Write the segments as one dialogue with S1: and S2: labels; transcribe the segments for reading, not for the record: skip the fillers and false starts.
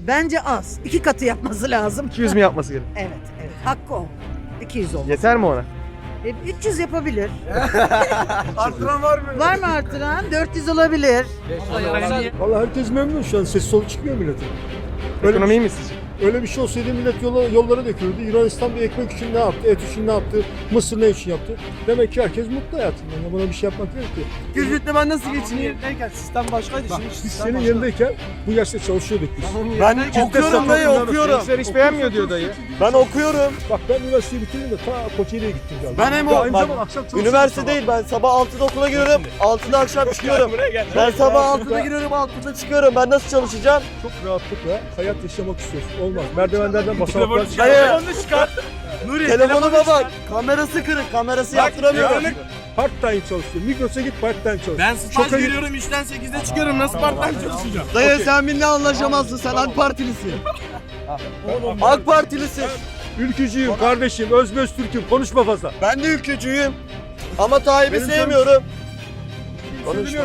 S1: Bence az. 2 katı yapması lazım.
S2: 200 mi yapması gerek?
S1: Evet, evet. Hakkı o. 200 oldu.
S2: Yeter mi ona?
S1: 300 yapabilir.
S3: Artıran var mı?
S1: Var mı artıran? 400 olabilir.
S3: Vallahi herkes memnun şu an. Ses solu çıkmıyor milletin.
S2: Ekonomiyi mi sizce?
S3: Öyle bir şey olsaydı millet yollara döküldü. Yunanistan bir ekmek için ne yaptı? Et için ne yaptı? Mısır ne için yaptı? Demek ki herkes mutlu hayatında. Yani buna bir şey yapmak yok ki.
S4: Güzlükle ben nasıl geçineyim? Sistem başkaydı.
S3: Bak,
S4: Şimdi
S3: biz
S4: sistem
S3: senin
S4: başka.
S3: yanındayken bu yaşta çalışıyorduk biz.
S4: Ben okuyorum dayı, okuyorum.
S2: Gençler iş beğenmiyor diyor dayı.
S4: Ben okuyorum.
S3: Bak ben üniversiteyi bitirdim de ta Kocaeli'ye gittim galiba.
S4: Ben hem
S3: Ya
S4: o-
S3: aynı
S4: bak,
S3: zamanda akşam çalışıyorum
S4: Üniversite
S3: sabah.
S4: değil, ben sabah 6'da okula giriyorum, 6'da akşam çıkıyorum. Ben sabah 6'da giriyorum, 6'da çıkıyorum. Ben nasıl çalışacağım?
S3: Çok rahatlıkla hayat yaşamak istiyorsun. Olmaz. Merdivenlerden basamaklar
S4: Dayı, telefonuma bak. Kamerası kırık, kamerası yaptıramıyorum.
S3: part time çalışıyor. Migros'a git part time çalış.
S5: Ben staj
S3: Şoka git.
S5: görüyorum 3'ten 8'e çıkıyorum. Nasıl part-time çalışacağım?
S4: Dayı sen benimle anlaşamazsın, sen AK Partilisin. AK Partilisin.
S3: Ülkücüyüm kardeşim. Özböz Türk'üm. Konuşma fazla.
S4: Ben de ülkücüyüm. Ama Tayyip'i
S3: Benim
S4: sevmiyorum.
S3: Konuşma.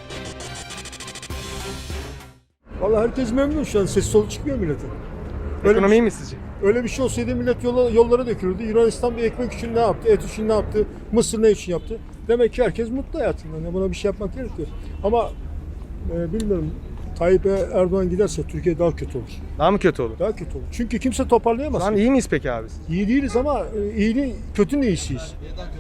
S3: Vallahi herkes memnun şu an. Ses solu çıkmıyor milletin.
S2: Ekonomiyi mi sizce?
S3: Öyle bir şey olsaydı millet yollara döküldü. Yunanistan bir ekmek için ne yaptı? Et için ne yaptı? Mısır ne için yaptı? Demek ki herkes mutlu hayatında. Yani buna bir şey yapmak gerekiyor. Ama bilmiyorum. Tayyip Erdoğan giderse Türkiye daha kötü olur.
S2: Daha mı kötü olur?
S3: Daha kötü olur. Çünkü kimse toparlayamaz.
S2: Şu an iyi miyiz peki abi?
S3: İyi değiliz ama iyiliğin kötünün iyisiyiz.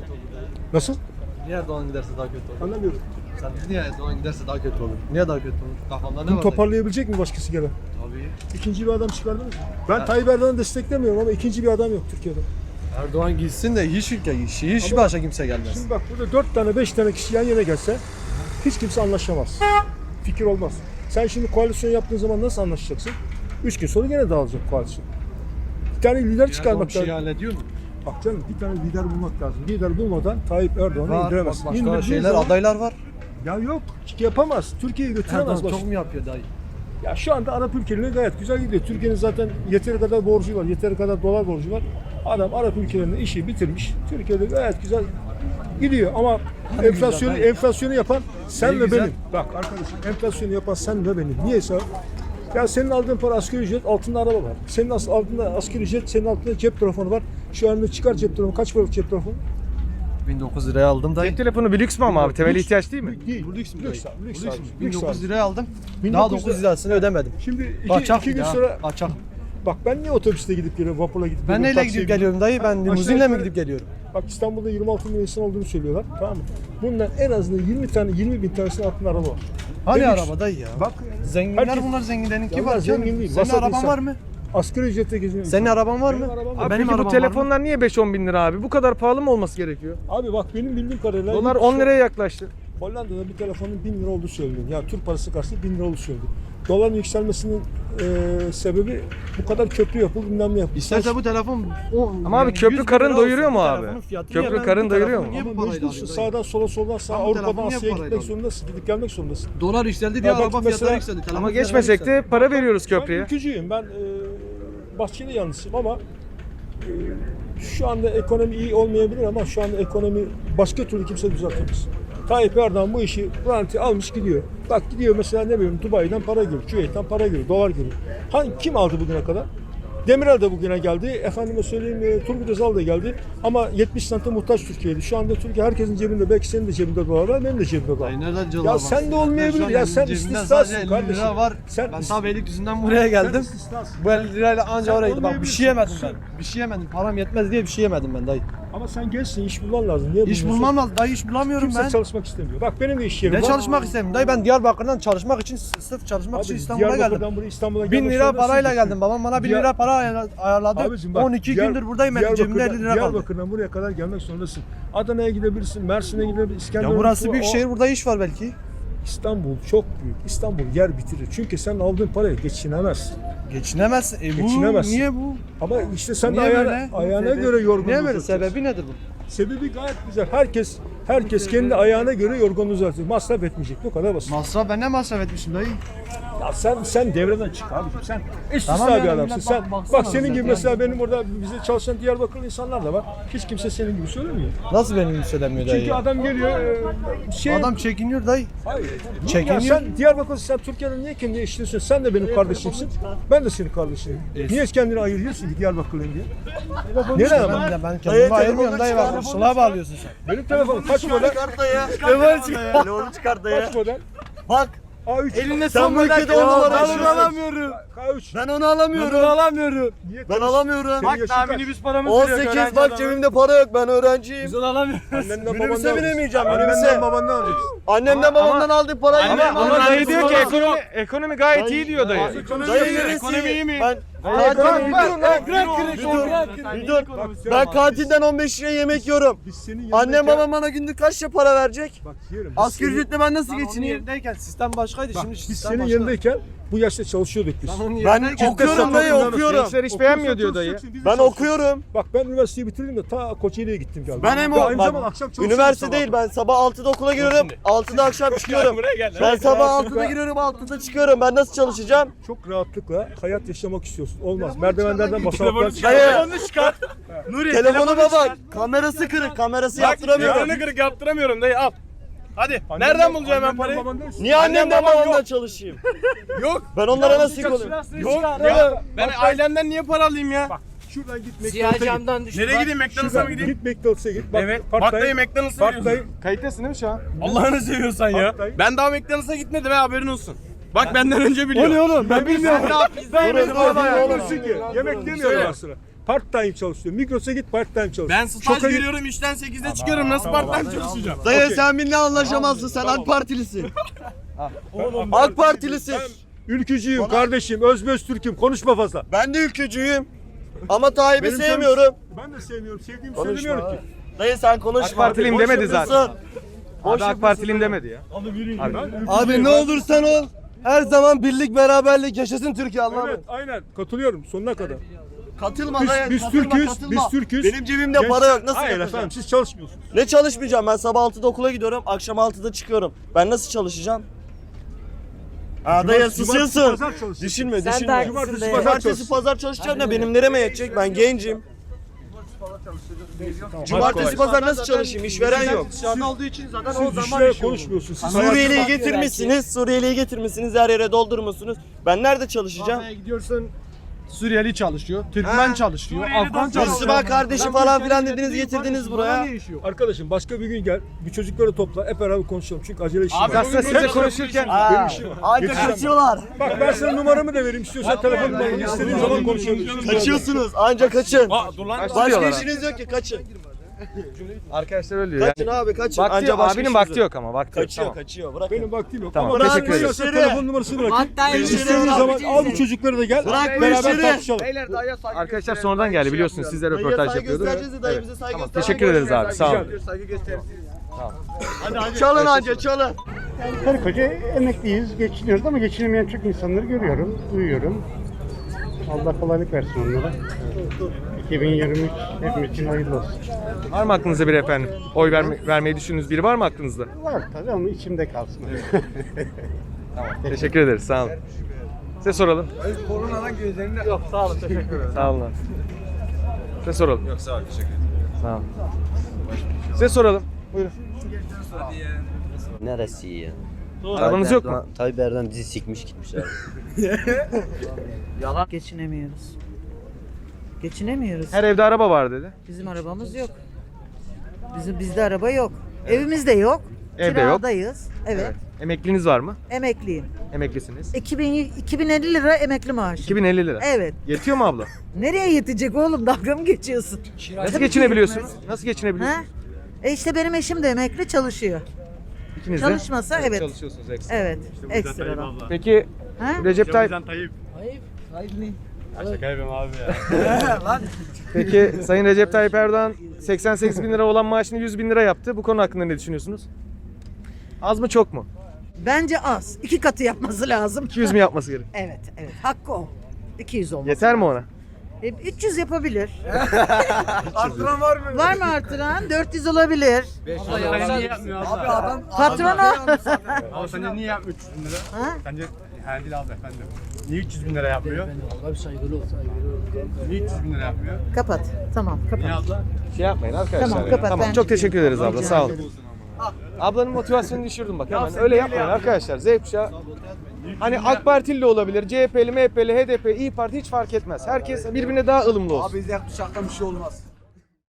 S3: Nasıl?
S4: Niye Erdoğan giderse daha kötü olur?
S3: Anlamıyorum.
S4: Sen niye Erdoğan giderse daha kötü olur? Niye daha kötü olur? Kafamda ne
S3: Bunu
S4: var?
S3: toparlayabilecek mi başkası gelen?
S4: Tabii.
S3: İkinci bir adam çıkardınız mı? Ben Tayyip Erdoğan'ı desteklemiyorum ama ikinci bir adam yok Türkiye'de.
S4: Erdoğan gitsin de hiç ülke, hiç başka kimse gelmez.
S3: Şimdi bak burada 4 tane 5 tane kişi yan yana gelse hiç kimse anlaşamaz. Fikir olmaz. Sen şimdi koalisyon yaptığın zaman nasıl anlaşacaksın? 3 gün sonra gene dağılacak koalisyon. Bir tane lider çıkarmak lazım.
S4: hallediyor mu?
S3: Bak canım bir tane lider bulmak lazım. Lider bulmadan Tayyip Erdoğan'ı
S4: Var,
S3: indiremez.
S4: başka
S3: İndirdiğin
S4: şeyler,
S3: zaman-
S4: adaylar var.
S3: Ya yok yapamaz. Türkiye'yi götüremez.
S4: Erdoğan
S3: Baş-
S4: çok mu yapıyor dayı?
S3: Ya şu anda Arap ülkelerine gayet güzel gidiyor. Türkiye'nin zaten yeteri kadar borcu var. Yeteri kadar dolar borcu var. Adam Arap ülkelerinde işi bitirmiş. Türkiye'de gayet güzel gidiyor ama enflasyonu yapan sen ve
S4: güzel.
S3: benim. Bak arkadaşım enflasyonu yapan sen ve benim. Niyeyse ya senin aldığın para asgari ücret, altında araba var. Senin altında asgari ücret, senin altında cep telefonu var. Şu anda çıkar cep telefonu. Kaç paralık cep telefonu?
S4: 1900 liraya aldım dayı.
S2: Cep telefonu bir lüks mü ama abi? Temel ihtiyaç değil mi?
S3: Değil.
S4: Bu lüks mü
S3: Lüks
S4: dayı?
S3: abi, lüks
S4: Bu
S3: abi,
S4: lüks mü?
S3: lüks
S4: 1900
S3: abi.
S4: liraya aldım.
S3: 1900
S4: Daha 9 lirasını ödemedim.
S3: Şimdi
S4: Kaçak
S3: iki gün
S4: ya,
S3: sonra
S4: kaçak.
S3: bak ben niye otobüste gidip geliyorum, vapurla gidip
S4: Ben
S3: geliyorum,
S4: neyle
S3: taksiye
S4: gidip geliyorum dayı? Ben
S3: Aşağı
S4: limuzinle mi
S3: yukarı-
S4: gidip geliyorum?
S3: Bak İstanbul'da 26 milyon insan olduğunu söylüyorlar. Tamam mı? Bundan en azından 20 bin tanesinin altında araba var.
S4: Hani
S3: Ve lüks.
S4: araba dayı ya?
S3: Bak
S4: Zenginler
S3: Herkes-
S4: bunlar, zenginlerinki
S3: Ya
S4: var.
S3: zengin
S4: canım.
S3: değil,
S4: Senin
S3: vasat
S4: araban
S3: insan.
S4: var mı?
S3: asgari ücretle geziyorum.
S4: Senin araban var mı?
S3: Benim arabam var.
S2: Abi
S4: Benim
S2: peki bu
S4: arabam var mı?
S2: telefonlar niye 5-10 bin lira abi? Bu kadar pahalı mı olması gerekiyor?
S3: Abi bak benim bildiğim kadarıyla
S2: Dolar 10 liraya yaklaştı.
S3: Hollanda'da bir telefonun 1000 lira olduğu söyleniyor. Yani Türk parası karşısında 1000 lira olduğu söyleniyor. Doların yükselmesinin sebebi bu kadar köprü yapıldı, bilmem ne yapıldı.
S4: İsterse bu telefon...
S2: Ama abi köprü karın doyuruyor mu abi? Köprü karın doyuruyor mu?
S4: Niye bu
S3: Ama
S4: parayla
S3: mecbursun
S4: alıyor?
S3: sağdan sola soldan sağa
S4: Ama
S3: Avrupa'dan
S4: telefon niye
S3: Asya'ya
S4: bu parayla
S3: gitmek
S4: alıyor?
S3: zorundasın. Gidip gelmek zorundasın.
S4: Dolar yükseldi diye
S3: Ya bak
S4: araba
S3: mesela-
S4: fiyatları yükseldi. telefon
S2: Ama
S4: fiyatları
S2: geçmesek de
S4: yükseldi.
S2: para veriyoruz
S3: Ben
S2: köprüye.
S3: ülkücüyüm. Ben Bahçeli yanlısıyım ama şu anda ekonomi iyi olmayabilir ama şu anda ekonomi başka türlü kimse düzeltemez. Tayyip Erdoğan bu işi garanti almış gidiyor. Bak gidiyor mesela ne bileyim Dubai'den para görüyor, Küveyt'ten para görüyor, dolar görüyor. Kim aldı bugüne kadar? Demirel de bugüne geldi. Efendime söyleyeyim Turgut Özal da geldi. Ama 70 sente muhtaç Türkiye'ydi. Şu anda Türkiye herkesin cebinde, belki senin de cebinde dolar var, benim de cebimde dolar var.
S4: Ay nereden cevap
S3: Ya
S4: var?
S3: sen de olmayabilir. Ya sen istisnasın kardeşim.
S4: Var.
S3: Sen
S4: Ben
S3: is-
S4: ta Beylikdüzü'nden buraya
S3: Sen
S4: geldim.
S3: istisnasın.
S4: Bu 50 lirayla anca
S3: Sen
S4: oraya gittim. Bak bir
S3: olmayabilirsin.
S4: şey yemedim ben.
S3: Sen-
S4: Bir şey yemedim. Param yetmez diye bir şey yemedim ben dayı.
S3: Ama sen gençsin, iş bulman lazım. Niye
S4: İş
S3: bulmuyorsun?
S4: bulmam lazım. Dayı iş bulamıyorum
S3: Kimse
S4: ben.
S3: çalışmak istemiyor. Bak benim de iş yerim
S4: Ne
S3: var.
S4: çalışmak istemiyorum. Dayı ben Diyarbakır'dan çalışmak için, sırf çalışmak
S3: Abi,
S4: için İstanbul'a geldim.
S3: Diyarbakır'dan buraya İstanbul'a
S4: 1000
S3: gelmek
S4: lira
S3: zorundasın.
S4: parayla geldim. Babam bana 1000
S3: Diyar-
S4: lira para ayarladı.
S3: Abicim bak,
S4: 12 gündür buradayım. Benim cebimde 50 lira kaldı.
S3: Diyarbakır'dan buraya kadar gelmek zorundasın. Adana'ya gidebilirsin, Mersin'e gidebilirsin,
S4: Ya
S3: İskenderun'a.
S4: burası büyük
S3: O-
S4: şehir. Burada iş var belki.
S3: İstanbul çok büyük. İstanbul yer bitirir. Çünkü sen aldığın paraya geçinemezsin.
S4: Geçinemezsin. Bu
S3: Geçinemezsin.
S4: niye bu?
S3: Ama işte sen de
S4: Niye
S3: ayağına,
S4: böyle?
S3: ayağına
S4: Sebebi-
S3: göre yorgunluğu
S4: Niye böyle?
S3: uzatacaksın.
S4: Sebebi nedir bu?
S3: Sebebi gayet güzel. Herkes kendi ayağına göre yorgunluğu uzatıyor. Masraf etmeyecek. Bu kadar basit.
S4: Masraf ben ne masraf etmişim dayı?
S3: Ya sen devreden çık abiciğim. Sen istisna bir adamsın. Sen bak senin gibi mesela benim orada bize çalışan Diyarbakırlı insanlar da var. Hiç kimse senin gibi söylemiyor.
S6: Nasıl benim gibi söylemiyor dayı?
S3: Çünkü adam geliyor
S6: Adam çekiniyor dayı.
S3: Hayır.
S6: Çekiniyor.
S3: Ya sen Diyarbakırlı, sen Türkiye'den niye kendini eşitliyorsun? Sen de benim kardeşimsin. Ben de senin kardeşinim. Niye kendini ayırıyorsun ki Diyarbakırlı'yım diye? Neden ama?
S6: Ben kendimi ayırmıyorum dayı bak. Sıla bağlıyorsun sen.
S3: Benim telefonum kaç model?
S4: Çıkart dayı. Telefonu çıkart dayı.
S3: Kaç model?
S4: Bak.
S3: A3.
S4: Elinde sen bu ülkede 10 numara
S5: Ben onu
S4: yaşıyorsun.
S5: alamıyorum.
S3: K3.
S4: Ben onu alamıyorum.
S3: Niye
S4: Ben alamıyorum.
S3: Senin yaşın kaç?
S5: Minibüs paramız
S4: 18 bak cebimde para yok, ben öğrenciyim.
S5: Biz onu alamıyoruz.
S3: Annenden
S4: Minibüse
S3: babandan
S4: binemeyeceğim,
S3: alacaksın.
S4: minibüse.
S3: Annenden babandan alacaksın.
S4: Annemden babamdan aldık parayı.
S5: Ama-
S4: Benim
S5: ama
S2: Ama dayı
S5: biz
S2: diyor ki
S5: onu-
S2: ekonomi gayet iyi diyor dayı.
S4: Dayı
S5: Ekonomi iyi mi?
S4: Ben bir dur. Ben kantinden 15 liraya yemek yiyorum.
S3: Biz senin
S4: Annem babam bana günlük kaç lira para verecek?
S3: Bak yerim.
S4: Asgari ücretle ben nasıl
S6: Onun
S4: geçineyim?
S6: yerindeyken sistem başkaydı şimdi
S3: Biz
S6: sistem
S3: senin
S6: başka.
S3: yanındayken bu yaşta çalışıyorduk biz.
S4: Ben okuyorum dayı, okuyorum.
S2: Gençler hiç beğenmiyor diyor dayı.
S4: Ben okuyorum.
S3: Bak ben üniversiteyi bitirdim de ta Kocaeli'ye gittim geldim.
S4: Ben hem
S3: Ve aynı
S4: bak,
S3: zamanda akşam çalışıyorum
S4: üniversite
S3: sabah.
S4: değil, ben sabah 6'da okula giriyorum, 6'da akşam çıkıyorum. Ben sabah 6'da giriyorum, 6'da çıkıyorum. Ben nasıl çalışacağım?
S3: Çok rahatlıkla hayat yaşamak istiyorsun. Olmaz. Merdivenlerden basamaklar
S4: Dayı,
S5: çıkar. Nuri
S4: telefonuma bak. Kamerası kırık, kamerası yaptıramıyorum.
S5: Yarını kırık yaptıramıyorum dayı al. Hadi. Nereden bulacağım ben parayı?
S4: Niye annemden babamdan çalışayım?
S5: Yok.
S4: Ben onlara nasıl yük olayım?
S5: Yok ya. Ben ailemden niye para alayım ya?
S3: Şuradan git McDonald's'a git.
S5: Nereye gideyim? McDonald's'a mı
S3: Şuradan
S5: gideyim?
S3: git McDonald's'a git. Bak,
S5: Evet.
S3: part-time-
S5: Bak dayı McDonald's'a veriyorsun.
S3: part-time-
S2: Kayıttasın değil mi şu an?
S5: Allah'ını seviyorsan ya.
S3: Hatta-
S5: Ben daha McDonald's'a gitmedim ha haberin olsun. Bak benden önce biliyor.
S3: oğlum ben bilmiyorum.
S4: Doğru.
S3: Olursun ki. Yemek yemiyorum ben sıra. Part time çalışıyorum. Migros'a git part time çalış.
S5: Ben staj
S3: Şoka git.
S5: görüyorum işten 8'de çıkıyorum. Nasıl part-time çalışacağım?
S4: Dayı sen benimle anlaşamazsın, sen AK Partilisin. AK Partilisin.
S3: Ülkücüyüm kardeşim. Özböz Türk'üm. Konuşma fazla.
S4: Ben de ülkücüyüm. Ama Tayyip'i
S3: Benim
S4: sevmiyorum.
S3: Ben de sevmiyorum. Sevdiğimi
S4: Konuşma.
S3: söylemiyorum ki.
S4: Dayı sen konuşma.
S2: AK Partiliyim
S4: Boş
S2: demedi
S4: yapıyorsun.
S2: zaten.
S4: Boş
S2: Abi AK Partiliyim demedi ya.
S6: Abi ne olursan ol. Her zaman birlik beraberlik yaşasın Türkiye Allah'ım.
S3: Evet aynen. Katılıyorum sonuna kadar.
S4: Katılma
S3: Biz,
S4: dayı.
S3: biz
S4: katılma,
S3: Türk'üz.
S4: katılma.
S3: Biz Türk'üz.
S4: Benim cebimde
S3: Genç-
S4: para yok. Nasıl
S3: Hayır
S4: yapacağım?
S3: efendim siz çalışmıyorsunuz.
S4: Ne çalışmayacağım? Ben sabah 6'da okula gidiyorum. Akşam 6'da çıkıyorum. Ben nasıl çalışacağım? Aa dayı
S3: Cumartesi,
S4: susuyorsun.
S3: pazar çalışıyorsun.
S4: Düşünme,
S1: Sen de
S4: düşünme.
S1: haklısın
S3: Cumartesi,
S1: dayı.
S3: pazar
S4: Cumartesi
S3: çalışıyorsun.
S4: pazar çalışacağım da benim nereme yetecek? Ben gencim. Cumartesi pazar nasıl çalışayım? İşveren yok.
S6: olduğu için zaten
S3: Siz işlere konuşmuyorsunuz. Siz
S4: Suriyeli'yi getirmişsiniz. Suriyeli'yi getirmişsiniz. Her yere doldurmuşsunuz. Ben nerede çalışacağım?
S6: Kafeye gidiyorsun. Suriyeli çalışıyor, Türkmen çalışıyor, Afgan çalışıyor.
S4: Müslüman kardeşi falan filan dediniz getirdiniz buraya.
S3: Arkadaşım başka bir gün gel. Bir çocukları topla. Hep beraber konuşalım. Çünkü acele işim
S5: Abi,
S3: var.
S2: Aslında sizle konuşurken
S4: Aa,
S3: işim var.
S4: anca
S3: Yetişemem.
S4: kaçıyorlar.
S3: Bak ben sana numaramı da vereyim. İstiyorsan telefon numaramı istediğin zaman konuşabiliriz.
S4: Kaçıyorsunuz. Anca kaçın.
S5: Dur lan.
S4: Başka
S2: diyorlar
S4: işiniz yok ki kaçın.
S2: arkadaşlar öyle diyor.
S4: Kaçın abi kaçın.
S2: Vakti
S4: Anca
S2: yok.
S4: başka
S2: Abinin
S4: işiniz
S2: vakti
S4: yok.
S2: yok ama vakti yok.
S4: Kaçıyor
S2: Tamam.
S4: kaçıyor. Bırak.
S3: Benim vaktim yok.
S2: Tamam,
S3: Ama
S2: teşekkür ederim.
S3: istersen telefon numarasını bırakayım.
S1: Hatta
S3: İstediğin zaman al bu çocukları da gel.
S4: Bırak bu
S3: beraber
S4: işleri.
S3: tartışalım.
S2: Arkadaşlar sonradan geldi biliyorsunuz sizle
S4: Dayıya
S2: röportaj
S4: saygı
S2: yapıyorduk.
S4: göstereceğiz de dayımıza saygı
S2: Tamam,
S4: göstereceğiz.
S2: teşekkür ederiz abi sağ olun.
S4: Çalın anca çalın.
S7: Karı koca emekliyiz, geçiniyoruz ama geçinemeyen çok insanları görüyorum, duyuyorum. Allah kolaylık versin onlara. 2023 hepimiz için hayırlı olsun.
S2: Var mı aklınızda biri efendim? Oy vermeyi düşündüğünüz biri var mı aklınızda?
S7: Var tabii ama içimde kalsın.
S2: Teşekkür ederiz sağ olun. Size soralım.
S6: Koronadan gözlerinde yok sağ olun teşekkür ederim.
S2: Sağ olun. Size soralım. Yok sağ olun teşekkür ederim. Sağ olun. Size soralım. Buyurun.
S8: Neresi iyi ya?
S2: Arabanız yok mu?
S8: Tayyip Erdoğan bizi sikmiş gitmiş abi.
S1: Geçinemiyoruz. Geçinemiyoruz.
S2: Her evde araba var dedi.
S1: Bizim arabamız yok. Bizde araba yok. Evimiz de yok.
S2: Evde yok.
S1: Kiradayız. Evet.
S2: Emekliniz var mı?
S1: Emekliyim.
S2: Emeklisiniz.
S1: 2050 lira emekli maaşı.
S2: 2050 lira.
S1: Evet.
S2: Yetiyor mu abla?
S1: Nereye yetecek oğlum? Dalga mı geçiyorsun?
S2: Nasıl geçinebiliyorsunuz? Nasıl geçinebiliyorsunuz?
S1: Ha? İşte benim eşim de emekli çalışıyor.
S2: İkiniz de?
S1: Çalışmasa evet.
S2: Çalışıyorsunuz ekstra.
S1: Evet. Ekstradan.
S2: Peki
S1: Ha?
S2: Recep Tayyip Peki Sayın Recep Tayyip Erdoğan 88 bin lira olan maaşını 100 bin lira yaptı. Bu konu hakkında ne düşünüyorsunuz? Az mı çok mu?
S1: Bence az. 2 katı yapması lazım.
S2: 200 mi yapması gerek?
S1: Evet, evet. Hakkı o. 200 olması.
S2: Yeter mi ona?
S1: 300 yapabilir.
S6: Artıran var mı?
S1: Var mı artıran? 400 olabilir.
S6: Abi adam
S1: Patronu.
S6: Abi sence niye yapmıyor 300 lira?
S1: Ha?
S6: Sence
S5: Erdil abi efendim. Niye 300 bin lira yapmıyor? Niye 300 bin lira yapmıyor?
S1: Kapat. Tamam kapat.
S5: Niye abla?
S2: Şey yapmayın arkadaşlar.
S1: Tamam,
S2: ya.
S1: kapat,
S2: Tamam
S1: ben
S2: çok teşekkür
S1: çıkıyorum.
S2: ederiz abla
S1: Rica
S2: sağ olun.
S1: ederim.
S2: Ablanın motivasyonunu düşürdüm bak hemen. Öyle yapmayın arkadaşlar. Z kuşağı hani AK Partili de olabilir, CHP'li, MHP'li, HDP, İYİ Parti hiç fark etmez. Herkes birbirine daha ılımlı olsun.
S6: Abi Z kuşaktan bir şey olmaz.